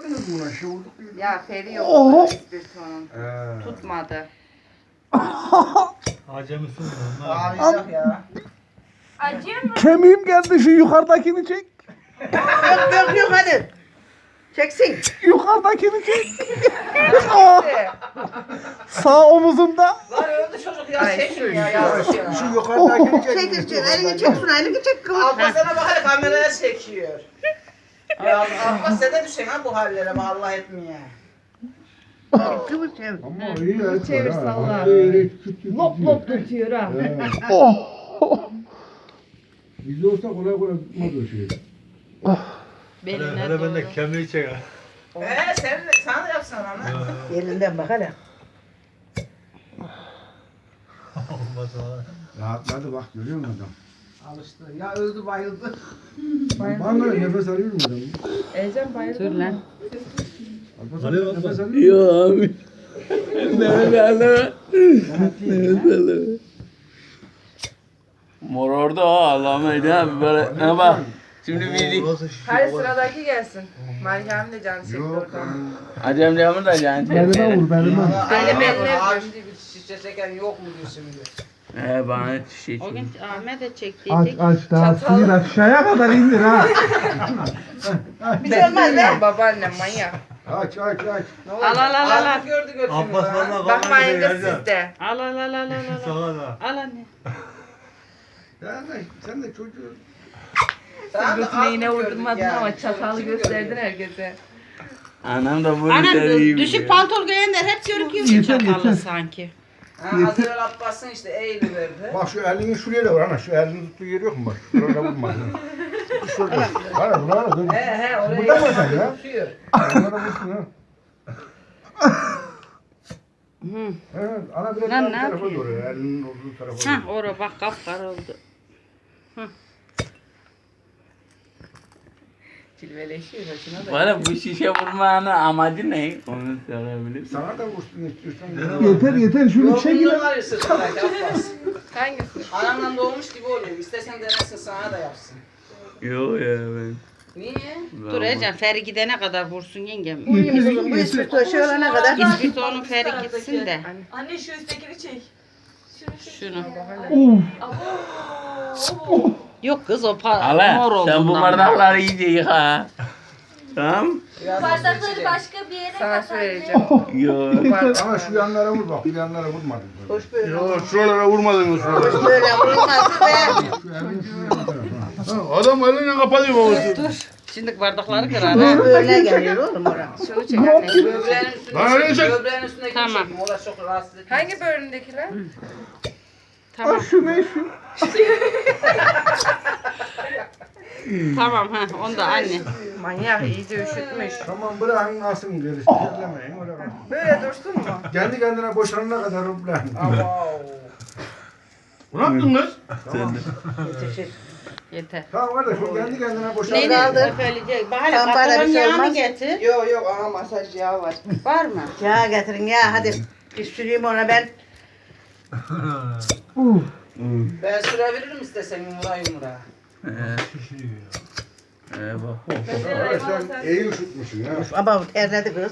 vurmadınız mı buna? Şey vurduk. Ya Feri yok. İspirtonun. Tutmadı. Acemisin lan. Ağlayacak ya. Acıyor mu? Kemiğim geldi, şu yukarıdakini çek. Yok hadi. Çeksin. Yukarıdakini çek. Sağ omuzumda. Lan öldü çocuk ya. Ay, Çekin şu ya. yavrum. Yazık ya. Şu yukarıdakini çek. Çek. Elini çek şunu. Elini çek. Abbas'ına bak hadi kameraya çekiyor. Ya Abbas sen de düşen ha bu hallere. Allah etmeye. Kıvır çevir. Ama iyi ya. Çevir, salla. Lop lop tutuyor ha. Oh. Biz olsa kolay kolay tutmaz o şeyi. Hele ben de kemiği çek ha. Sen de yapsana lan. Elinden bak hele. Olmaz valla. Rahatladı bak görüyor musun adam? Alıştı. Ya öldü bayıldı. Bana nefes alıyor mu adam? Ecem bayıldı. Dur lan. Alıyor Nefes musun? alıyor mu? Yok abi. Nefes alma. Nefes alma. Mor orada o Allah'ım abi böyle ne bak. Şimdi bizi Burası şişiyor. Hadi sıradaki gelsin. Meryem de can çekti Yok. oradan. Acem camı da can Belime vur belime. Öyle belli. Ağacı bir şişe çeken yok mu diyor şimdi. Bana şey O gün Ahmet de Aç çektiydik. aç daha Çatal. sıyır aşağıya kadar indir ha. Bir şey olmaz be. Babaannem manyak. Aç aç aç. Ne Al olacak? al al al. al. Gördü götünü. Abbas valla Bakmayın da kamerayı sizde. Al al al al al. Sana da. Al anne. Sen de çocuğu. Götüne yine vurdurmadın ama çatalı gösterdin herkese. Anam da bunu Anam seveyim düşük ya. pantol giyenler hep görüküyor Yeter, çatalı yeter. sanki. Az evvel Abbas'ın işte eğili verdi. Bak şu elini şuraya da vur ana. Şu elini tuttuğu yer yok mu bak? Şurada vurma. Şurada. Bana bana dur. He oraya Burada mı sen ya? tutuyor. Bana vursun ha. Hı. Evet, ana biraz Lan daha ne bu tarafa yapıyor? doğru. Elinin olduğu tarafa Hah doğru. oraya bak kapkara oldu. Cilveleşiyor hoşuna da. Bana bu şişe vurmanın amacı ne? Onu sorabilir. Sana da vursun istiyorsan. Yeter şunu Yok bundan var ya sırtındaki Abbas. Hangisi? Anamdan doğmuş gibi oluyor. İstersen denesin sana da yapsın. Yok ya ben. Niye? Dur Ecem Feri gidene kadar vursun yengem. Bu ispirto şey olana kadar. İspirtonun Feri gitsin de. Anne şu üsttekini çek. Şunu. Uf. Yok kız o mor Hala olduğundan. sen bu bardakları iyice yıka. Tamam? Biraz Bardakları başka bir yere Sana kat anne. söyleyeceğim. Yok. Ama şu yanlara vur bak. Bu yanlara vurmadın. Hoş böyle. Yok şuralara vurmadın mı şuralara? Hoş böyle vurulmaz be. Şu elini şuraya. Adam elini kapatıyor babası. Dur. Şimdi bardakları kır ana. Böyle geliyor oğlum oraya. Şunu çek anne. Böbreğin üstüne Lan öyle çek. Böbreğin üstüne Tamam. çekin. Orası çok rahatsız edici. Hangi bölümdekiler? Tamam. Şu ne şu? Tamam ha onu da anne. Manyak iyice üşütmüş. Tamam bırakın alsın gerisi. Terlemeyin oraya. Böyle dursun mu? Kendi kendine boşanana kadar bırakın. Wow. Ne yaptın kız? Yeter. Tamam kardeş o kendi kendine boşanana Neyini kadar. öpeleyecek? Bahane Tamam, bana bir patronun şey yağını olmaz. getir. Yok yok ama masaj yağı var. Var mı? Ya getirin ya hadi. Bir süreyim ona ben. Ben sürebilirim istesen yumura. Şişiriyor ya. Bak. Kardeş sen iyi üşütmüşsün ya. Ama terledi kız.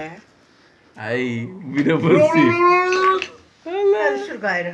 Ay bir de fırsı. Hadi sür gayrı.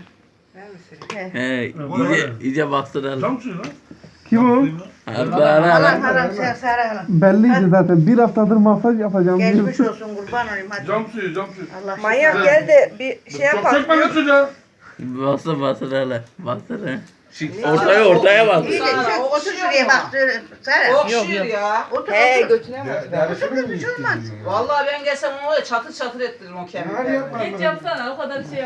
İyice baksana. Cam suyu lan. Kim o? Halam Allah'ına. halam sen Sara halam. Belliydi zaten. Bir haftadır masaj yapacağım. Geçmiş olsun kurban olayım hadi. Cam suyu cam suyu. Allah Manyak gel de bir şey yapalım. çocuğa. Baksana baksana hele. Baksana. Ortaya bak. İyi de sen otur şuraya bak. Sara. Okşuyor ya. Otur He otur. götüne bak. Derisi mi Hiç olmaz. istiyorsun? Vallahi ben gelsem onu çatır çatır ettiririm o Hadi kemiği. yapma. Geç yapsana o kadar şey